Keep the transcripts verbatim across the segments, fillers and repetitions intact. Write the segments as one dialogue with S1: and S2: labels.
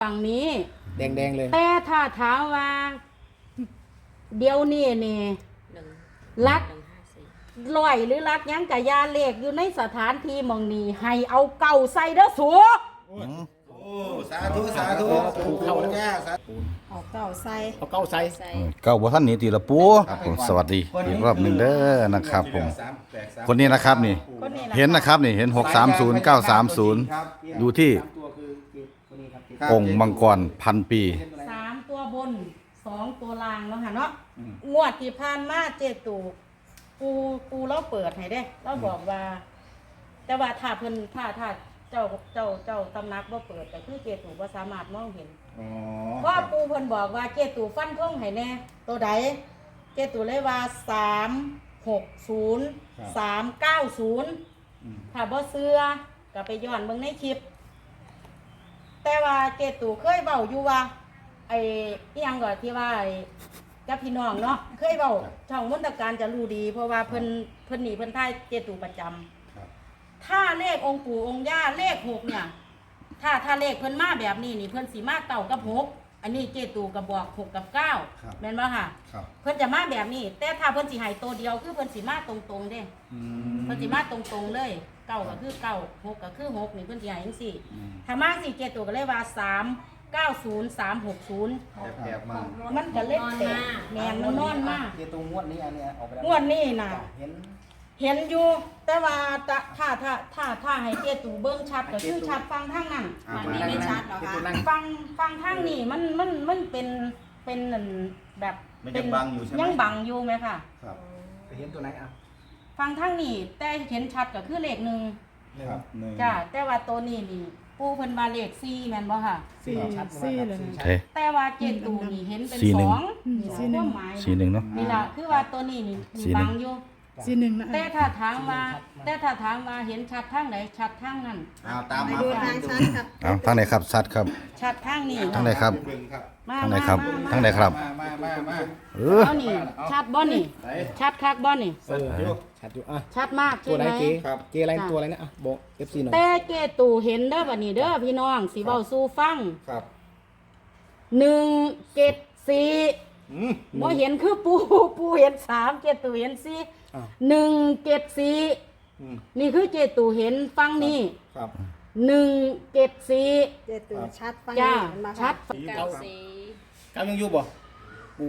S1: ฝั่งนี้
S2: แดงๆเลย
S1: แต่ถ้าถามว่าเดี๋ยวนี้นี่รักลอยหรือรักยังกะยาเลขอยู่ในสถานที่มองนี้ให้เอาเก่าใส่เด้อสัว
S3: โอ้สาธุสาธุปูเข้าแล้วจ้าสาธุ
S2: เอาเก้าใส่
S3: เอาเก้าใส่
S4: เก้าบ่ท่านนี้ตีละปูครับผมสวัสดีอีกรอบหนึ่งเด้อนะครับผมคนนี้นะครับนี่เห็นนะครับนี่เห็นหกสามศูนย์เก้าสามศูนย์อยู่ที่องค์มังกรพันปี
S1: สามตัวบนสองตัวล่างแล้วค่ะเนาะงวดที่ผ่านมาเจตูปูปูเราเปิดให้ได้เราบอกว่า แต่ว่าถ้าเพิ่นถ้าถ้าเจ้าเจ้าเจ้าตำนักบ่เปิดแต่คือเจตูบ่สามารถมองเห็นเพราะปูเพิ่นบอกว่าเจตูฟันธงให้แน่ตัวใดเจตูเลยว่าสามหกศูนย์สามเก้าศูนย์ถ้าบ่เชื่อก็ไปย้อนเบิ่งในคลิปแต่ว่าเจตูเคยเว้าอยู่ว่าไอ้อีหยังก็ที่ว่าไอ้กับพี่น้องเนาะเคยเว้าช่องมนตการจะรู้ดีเพราะว่าเพิ่นเพิ่นนี่เพิ่นทายเจตูประจำถ้าเลของค์ปู่องค์ย่าเลขหกเนี่ยถ้าถ้าเลขเพิ่นมาแบบนี้นี่เพิ่นสิมาเก้ากับหกอันนี้เจตูก็บอกหกกับเก้าแม่นบ่ค่ะเพิ่นจะมาแบบนี้แต่ถ้าเพิ่นสิให้ตัวเดียวคือเพิ่นสิมาตรงๆเด้เพิ่นสิมาตรงๆเลยเก้าก็คือเก้าหกก็คือหกนี่เพิ่นสิให้จังซี่ถ้ามาสิเจตูก็เลยว่าสาม เก้าศูนย์ สามหกศูนย์
S3: แบบมา
S1: มันก็เล็กแตกแม่นมันนอนมา
S2: เจตูงวดนี้อันนี้ออกไปแล้ว
S1: งวดนี้น่ะ
S2: เห็น
S1: เห็นอยู่แต่ว่าถ้าถ้าถ้าถ้าให้เจตูเบิ่งชัดก็คือชัดฟังทางนั้น
S2: อันนี้ไม่ชัดหรอคะ
S1: ฟังฟังทางนี้มันมันมันเป็นเป็นแบบ
S3: เป็นบังอยู่ใช่ไหม
S1: ยังบังอยู่ไหมค่ะ
S3: ครับ
S2: เห็นตัวไหนอ่ะ
S1: ฟังทางนี้แต่เห็นชัดก็คือเลขหนึ่ง
S3: ครับ
S1: จ้าแต่ว่าตัวนี้นี่ปูเพิ่นว่าเลขสี่แม่นบ่ค่ะ
S2: สี่ชัดสี่เลย
S1: แต่ว่าเจตูนี่เห็นเป็นสองสี่หนึ่ง
S4: สี่หนึ่งเนาะ
S1: นี่ล่ะคือว่าตัวนี้นี่บังอยู่
S5: สี่หนึ่งนะ
S1: แต่ถ้าถามว่าแต่ถ้าถามว่าเห็นชัดทางไหนชัดทางนั้น
S3: เอาตามมา
S2: ดูทางชัดครับ
S4: เอาทางไหนครับชัดครับ
S1: ชัดทางนี้
S4: ทางไหนครับทางไหนครับทางไหนครับ
S3: มามามา
S4: เออ
S1: เอานี่ชัดบ่นี่ชัดคักบ่นี่
S2: ชัดอยู่อ่ะ
S1: ชัดมาก
S2: ตัวไหนเจ
S3: ครับ
S2: เจอะไรตัวอะไรนะอ่ะบอก เอฟ ซี หน่อย
S1: แต่เจตูเห็นเด้อบัดนี้เด้อพี่น้องสิเว้าสู่ฟัง
S3: ครับ
S1: หนึ่ง เจ็ด สี่บ่เห็นคือปูปูเห็นสามเจตูเห็นสี่หนึ่ง เจ็ด สี่นี่คือเจตูเห็นฟังนี่
S3: ครับ
S1: หนึ่ง เจ็ด สี่
S5: เจตูชัดฟัง
S1: จ้าชัด
S2: เก้าสี่เก้ายังอยู่บ่ปู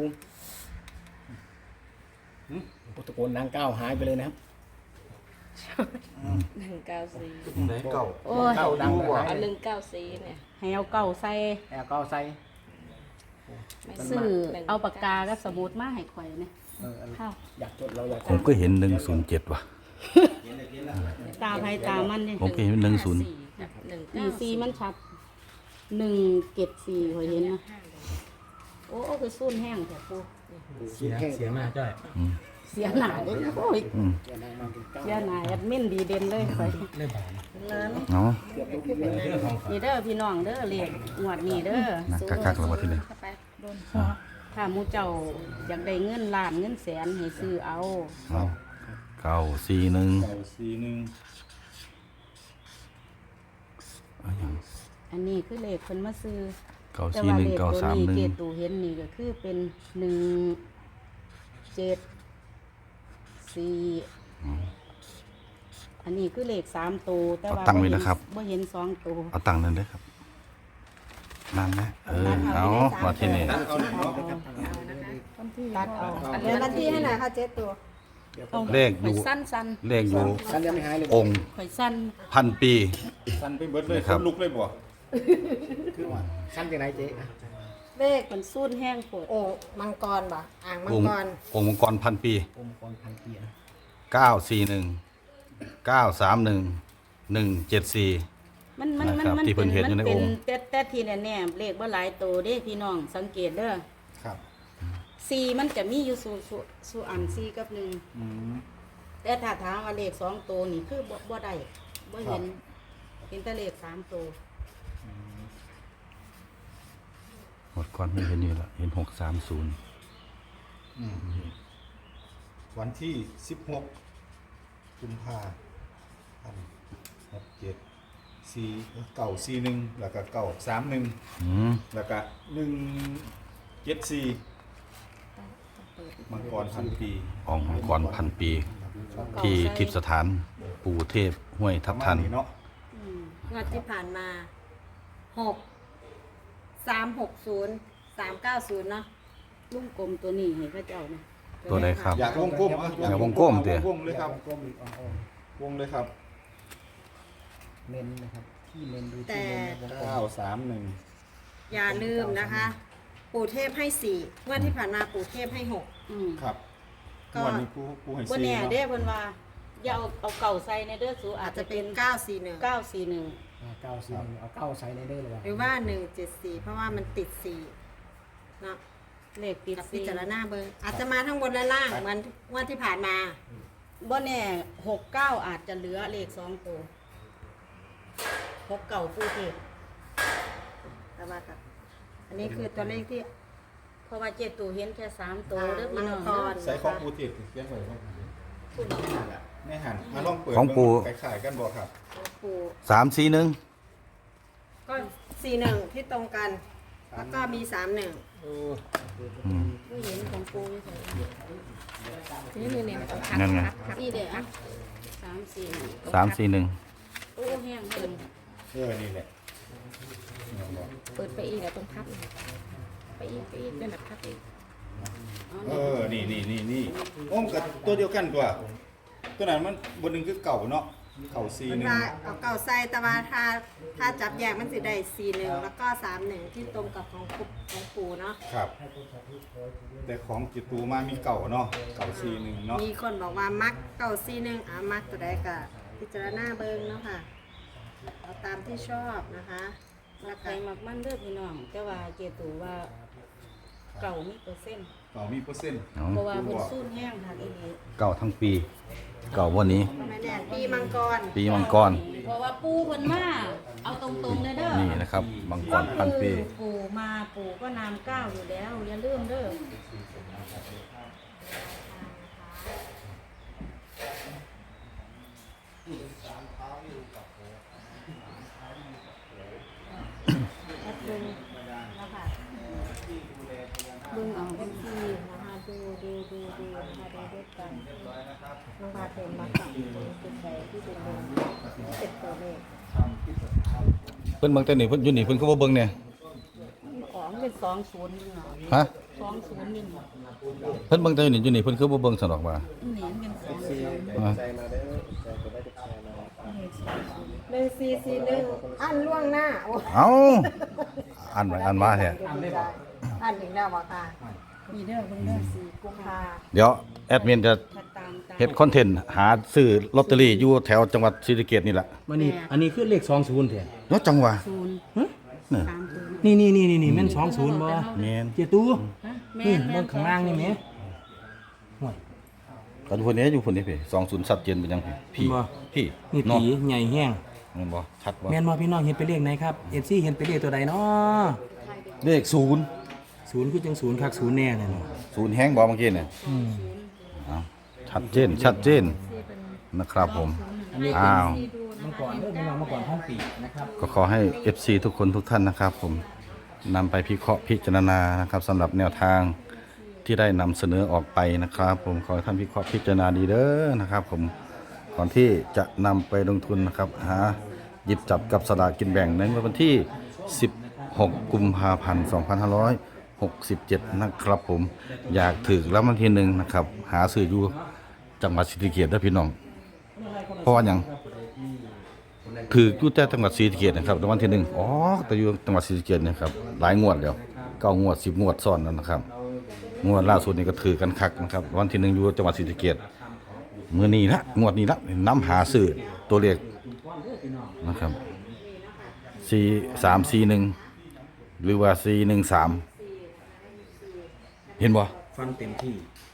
S2: ตะโกนนางเก้าหายไปเลยนะครับ
S6: หนึ่งเก้าสี่
S3: ไหนเก่า
S1: เก้า
S2: ดังกว่า
S6: เอาหนึ่งเก้าสี่เนี่ย
S1: ให้เอาเก่าใส่
S2: ให้เอาเก้าใส่
S1: ซื้อเอาปากกากับสมุดมาให้ข่อยเนี่ย
S2: อยากจดเราอยาก
S4: ผมก็เห็นหนึ่งศูนย์เจ็ดว่ะ
S1: ตาไผตามันเนี่ย
S4: ผมก็เห็นหนึ่งศูนย์
S1: หนึ่งสี่มันชัดหนึ่งเจ็ดสี่ข่อยเห็นนะโอ้คือสู้นแห้งแต่ปู
S2: เสียเสียมากจ้อย
S1: เสียหนาเลยโอ้ยเสียหนาแอดมินดีเด่นเลยข่อย
S4: เนาะ
S1: นี่เด้อพี่น้องเด้อเรียกงวดนี่เด้อ
S4: นักกักๆแล้วว่าที่นี่
S1: ถ้ามูเจ้าอยากได้เงินล้านเงินแสนให้ซื้อเอา
S4: เอาเก้าสี่หนึ่ง
S3: เก้าสี่หนึ่ง
S1: อันนี้คือเลขเพิ่นมาซื้อ
S4: เก้าสี่หนึ่งเก้าสามหนึ่ง
S1: เกตูเห็นนี่ก็คือเป็นหนึ่งเจ็ดสี่อันนี้คือเลขสามตัวแต่ว่าบ่เห็นสองตัว
S4: เอาตังค์นั่นเลยครับนั่นนะเออเอามาที่นี่
S1: ตัดเอา
S5: เดี๋ยววันที่ให้หน่อยค่ะเจ๊ตัว
S4: เลขอยู่
S1: สั้น
S4: ๆเลขอยู่องค์
S1: ข่อยสั้น
S4: พันปี
S3: สั้นไปเบิดเลยคนลุกเลยบ่
S2: คือว่าสั้นจากไหนเจ๊
S1: เลขมันสู้นแห้งปวด
S5: โอ้มังกรบ่อ่างมังกร
S4: องค์มังกรพันปี
S2: องค์มังกรพันปี
S4: เก้าสี่หนึ่งเก้าสามหนึ่งหนึ่งเจ็ดสี่
S1: มันมันมันมันเป็นมันเป็นแต่แต่ทีแน่ๆเลขว่าหลายตัวเด้พี่น้องสังเกตเด้อ
S3: ครับ
S1: สี่มันจะมีอยู่สู่สู่สู่อันสี่กับหนึ่งแต่ถ้าถามว่าเลขสองตัวนี่คือบ่บ่ได้บ่เห็นเห็นแต่เลขสามตัว
S4: หมดก่อนไม่เห็นนี่ละเห็นหกสามศูนย์
S3: วันที่สิบหกกุมภาพันธ์หกเจ็ดสี่เก่าสี่หนึ่งแล้วก็เก่าสามหนึ่ง
S4: อืม
S3: แล้วก็หนึ่งเจ็ดสี่มังกรพันปี
S4: ของมังกรพันปี ที่ทิพย์สถานปู่เทพห้วยทับทัน
S3: ประมาณเนาะ
S5: งวดที่ผ่านมาหกสามหกศูนย์สามเก้าศูนย์เนาะ
S1: ลุงกลมตัวนี้ให้พระเจ้านะ
S4: ตัวใดครับ
S3: อยากวงกลมอ่ะ
S4: อยากวงกลมเดี๋ยว
S3: วงเลยครับ
S2: กลมอีกอ๋อ
S3: วงเลยครับ
S2: เมนนะครับที่เมนดู
S5: แต่
S2: ที่เมนวงกล
S3: เก้าม สามหนึ่ง
S5: อย่าลืมนะคะ ปู่เทพให้สี่งวดที่ผ่านมาปู่เทพให้หก
S1: อืม
S3: ครับ
S5: ก็
S3: วันนี้ผู้ผู้ให้
S1: บ่
S3: สี่
S1: แน่
S3: เนาะ
S1: เด้เพิ่นว่าอย่าเอาเอาเก่าใส่ในเด้อสูอา
S5: อา
S1: จ
S5: จ
S1: จะ
S5: จะ
S1: เป็
S5: เป็น นเก้าสี่หนึ่ง
S1: เก้าสี่หนึ่ง
S2: อ่าเก้าสี่เอาเก้าใส่ในเด้อเลยว่ะ
S5: หรือว่าหนึ่งเจ็ดสี่เพราะว่ามันติดสี่เนาะ
S1: เลขติด
S5: กับพิ
S1: สี่
S5: จารณาเบอร์อาจจะมาทั้งบนและล่างเหมือนงวดที่ผ่านมา
S1: บ่แน่หกเก้าอาจจะเหลือเลขสองตัวหกเก่าปูเทพ
S5: แต่ว่ากับอันนี้คือตัวเลขที่
S1: เพราะว่าเจ็ดตัวเห็นแค่สามตัวเด้อพี่น้อง
S5: มังกร
S3: ใส่ของปูติดเขียนไว้ของปูไม่หันมาลองเปิด
S4: ของปู่
S3: คล้ายๆกันบ่ครับ
S5: ปู่
S4: สามสี่หนึ่ง
S5: ก็สี่หนึ่งที่ตรงกัน แล้วก็มีสามหนึ่ง
S4: อืม
S1: ผู้เห็นของปูอยู่ไส
S6: นี่นี่นี่ต้องพับ
S4: นั่นไง
S6: พับ
S1: สี่เด้ออะสามสี่
S4: สามสี่หนึ่ง
S1: โอ้แห้งเพิ่น
S3: เออนี่แหละ
S6: เปิดไปอีกแล้วต้องพับไปอีกไปอีกเป็นแบบพับอีก
S3: เออนี่นี่นี่นี่โอ้มกับตัวเดียวกันตัวตัวนั้นมันบนหนึ่งคือเก่าเนาะเก่าสี่
S5: มัน
S3: หนึ่ง
S5: ว่าเอาเก่าใส่แต่ว่าถ้าถ้าจับแยกมันสิได้สี่หนึ่งแล้วก็สามหนึ่งที่ตรงกับของปู่ของปู่เนาะ
S3: ครับ แต่ของจิตตูมามีเก่าเนาะเก่าสี่หนึ่งเนาะ
S5: มีคนบอกว่ามักเก่าสี่หนึ่งอ่ะมักตัวใดก็พิจารณาเบิ่งเนาะค่ะเอาตามที่ชอบนะคะ
S1: มั
S5: แล้ว
S1: กใค
S5: ก็
S1: รมักมันเด้อพี่น้องแต่ว่าเจตูว่าเก่ามีเปอร์เซ็นต์
S3: เก่ามีเปอร์เซ็นต์
S4: เอา
S1: เพราะว่าเพิ่นสู้แห้งค่ะอีนี้
S4: เก่าทั้งปี เก่าวันนี้
S5: ไม่แน่ปีมังกร
S4: ปีมังกร
S1: เพราะว่าปูเพิ่นมาเอาตรงๆเลยเด้อ
S4: นี่นะครับมังกรพันปี
S1: คือปู่มาปู่ก็นามเก้าอยู่แล้วอย่าลืมเด้อ
S5: แอดดึงนะคะดึงเอาเป็นทีนะคะดูดูดูดูนะคะดูด้วยกันน้องพาเต็มมาสั่งจุดใดที่เป็นดึงเป็นตัวเลข
S4: เพิ่นเบิ่งแต่นี่เพิ่นอยู่นี่เพิ่นก็บ่เบิ่งเนี่ย
S1: ของเป็นสองศูนย์นี่เนาะ
S4: ฮะ
S1: สองศูนย์นี่เนาะ
S4: เพิ่นเบิ่งแต่อยู่นี่อยู่นี่เพิ่นคือบ่เบิ่งสนอกว่า
S1: นี่มันเป็นสองศูนย์
S4: อ่า
S2: ใจมาเด้อใจจะได้แชร์มา
S5: หนึ่งสี่สี่หนึ่งอันล่วงหน้าโอ้
S4: เอ้าอ่านไว้อ่านมาแท้
S5: อันถึงแล้วบ่ค่ะ
S1: นี่เด้อเบิ่งเด้อ
S5: สี่กุมภา
S4: เดี๋ยวแอดมินจะ
S1: ถ้าตามตาม
S4: เฮ็ดคอนเทนต์หาซื้อลอตเตอรี่อยู่แถวจังหวัดศรีสะเกษนี่แหละ
S2: วันนี้อันนี้คือเลขสองศูนย์เถอะ
S4: เนาะจังหวะ
S1: ศูนย์
S4: นี่
S1: สามศูนย์
S2: นี่นี่นี่นี่นี่แม่นสองศูนย์บ่
S4: แม่น
S2: เจตู้
S1: ฮะ
S2: นี่
S1: แม่
S2: เบิ่งข้างล่างนี่แหมห่วย
S4: ก็อยู่พุ่นนี้อยู่พุ่นนี้พี่สองศูนย์ชัดเจนเป็นจังพี่
S2: บ่
S4: พี่
S2: นี่
S4: เนาะ
S2: ผีใหญ่แห้ง
S4: แม่นบ่ชัดบ่
S2: แม่นบ่พี่น้องเห็นเป็นเลขไหนครับ เอฟ ซี เห็นเป็นเลขตัวใดเนาะ
S4: เลขศูนย์
S2: ศูนย์คือจังศูนย์คักศูนย์แน่เลยเนาะ
S4: ศูนย์แฮงบ่เมื่อกี้เนี่ย
S2: อืม
S4: อ้าวชัดเจนชัดเจนนะครับผมอ้าว
S2: มังกรเด้อพี่น้องมังกรห้องปีนะครับ
S4: ก็ขอให้ เอฟ ซี ทุกคนทุกท่านนะครับ ผมนำไปพิเคราะห์พิจารณานะครับสำหรับแนวทางที่ได้นำเสนอออกไปนะครับ ผมขอให้ท่านพิเคราะห์พิจารณาดีเด้อนะครับ ผมก่อนที่จะนำไปลงทุนนะครับหาหยิบจับกับสลากกินแบ่งในวันที่ สิบหก กุมภาพันธ์ สองพันห้าร้อยหกสิบเจ็ด นะครับ ผมอยากถือแล้ววันที่หนึ่งนะครับ หาซื้ออยู่จังหวัดศรีสะเกษเด้อพี่น้องเพราะว่าอย่าง คืออยู่แต่จังหวัดศรีสะเกษนะครับรางวัลที่หนึ่งอ๋อแต่อยู่จังหวัดศรีสะเกษเนะครับหลายงวดแล้วเก้างวดสิบงวดซ้อนแล้วนะครับงวดล่าสุดนี่ก็ถือกันคักนะครับรางวัลที่หนึ่งอยู่จังหวัดศรีสะเกษมื้อนี้ละงวดนี้ละนํหาซื้อตัวเลขนะครับสี่สามสี่หนึ่งหรือว่าสี่หนึ่งสามเห็นบ่
S2: ฟันเต็มที่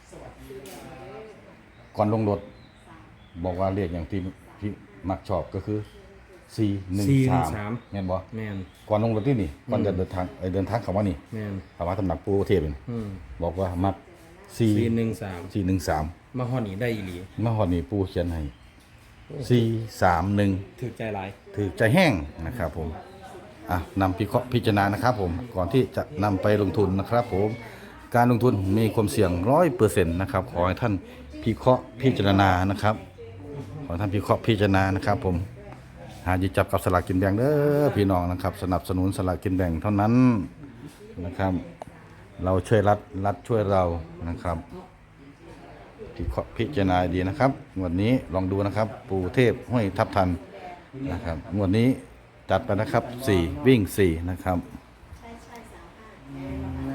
S4: ก่อนลงรถบอกว่าเลขอย่างที่ที่มักชอบก็คือสี่หนึ่งสามแม่นบ่
S2: แม่น
S4: ก่อนลงรถที่นี่ก่อนจะเดินทางไอเดินทางเข้ามานี่
S2: แม่น
S4: เข้ามาตำหนักปูเทพนี่
S2: อืม
S4: บอกว่ามักสี่
S2: สี่หนึ่งสาม
S4: สี่หนึ่งสาม
S2: มาฮอดนี่ได้อีหลี
S4: มาหอดนี่ปูเขียนให้สี่สามหนึ่ง
S2: ถือใจร้าย
S4: ถือใจแห้งนะครับผมอ่ะนำพิเคราะห์พิจารณานะครับผมก่อนที่จะนำไปลงทุนนะครับผมการลงทุนมีความเสี่ยงร้อยเปอร์เซ็นต์นะครับขอให้ท่านพิเคราะห์พิจารณานะครับขอให้ท่านพิเคราะห์พิจารณานะครับผมหาหยิบจับกับสลากกินแบ่งเด้อพี่น้องนะครับสนับสนุนสลากกินแบ่งเท่านั้นนะครับเราช่วยรัฐรัฐช่วยเรานะครับพิเคราะห์พิจารณาดีนะครับงวดนี้ลองดูนะครับปู่เทพห้วยทับทันนะครับงวดนี้จัดไปนะครับสี่วิ่งสี่นะครับ
S5: ใช่ใช่สามห้า